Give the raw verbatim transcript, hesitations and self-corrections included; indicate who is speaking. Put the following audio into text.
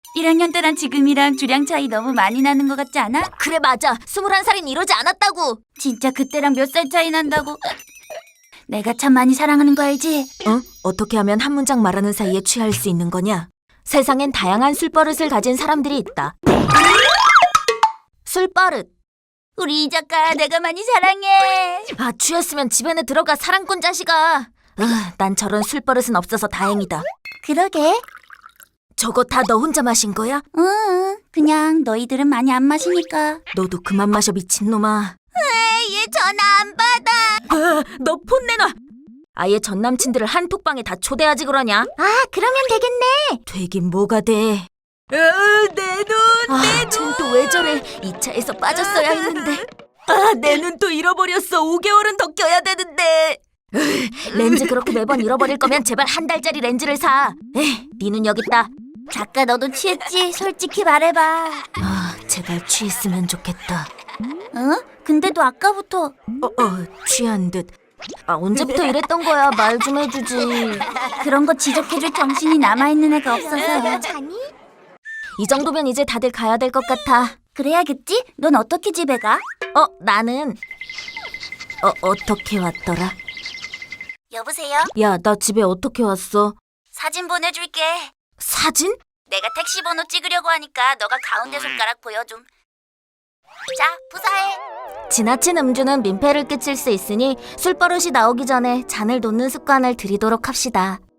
Speaker 1: 일 학년 때랑 지금이랑 주량 차이 너무 많이 나는 것 같지 않아?
Speaker 2: 그래 맞아. 스물한 살인 이러지 않았다고.
Speaker 1: 진짜 그때랑 몇 살 차이 난다고? 내가 참 많이 사랑하는 거 알지?
Speaker 2: 어? 어떻게 하면 한 문장 말하는 사이에 취할 수 있는 거냐? 세상엔 다양한 술버릇을 가진 사람들이 있다. 술버릇.
Speaker 1: 우리 이 작가 내가 많이 사랑해.
Speaker 2: 아, 취했으면 집에는 들어가 사랑꾼 자식아. 으, 난 저런 술버릇은 없어서 다행이다.
Speaker 1: 그러게.
Speaker 2: 저거 다 너 혼자 마신 거야?
Speaker 1: 응, 그냥 너희들은 많이 안 마시니까.
Speaker 2: 너도 그만 마셔 미친놈아.
Speaker 1: 얘 전화 안 받아.
Speaker 2: 아, 너 폰 내놔. 아예 전 남친들을 한톡방에 다 초대하지 그러냐?
Speaker 1: 아, 그러면 되겠네.
Speaker 2: 되긴 뭐가 돼.
Speaker 1: 내 눈,
Speaker 2: 아, 쟨 또 왜 저래? 이 차에서 빠졌어야 했는데. 아, 내 눈 또 잃어버렸어. 오 개월은 더 껴야 되는데. 렌즈 그렇게 매번 잃어버릴 거면 제발 한 달짜리 렌즈를 사. 에이, 네 눈 여기 있다.
Speaker 1: 작가 너도 취했지? 솔직히 말해봐.
Speaker 2: 아, 제발 취했으면 좋겠다.
Speaker 1: 어? 근데도 아까부터.
Speaker 2: 어, 어, 취한 듯. 아, 언제부터 이랬던 거야? 말 좀 해주지.
Speaker 1: 그런 거 지적해줄 정신이 남아있는 애가 없어서.
Speaker 2: 이 정도면 이제 다들 가야 될 것 같아.
Speaker 1: 그래야겠지? 넌 어떻게 집에 가?
Speaker 2: 어, 나는 어, 어떻게 왔더라?
Speaker 1: 여보세요?
Speaker 2: 야, 나 집에 어떻게 왔어?
Speaker 1: 사진 보내줄게.
Speaker 2: 사진?
Speaker 1: 내가 택시 번호 찍으려고 하니까 너가 가운데 손가락 보여줌. 자, 부사해.
Speaker 2: 지나친 음주는 민폐를 끼칠 수 있으니 술버릇이 나오기 전에 잔을 놓는 습관을 들이도록 합시다.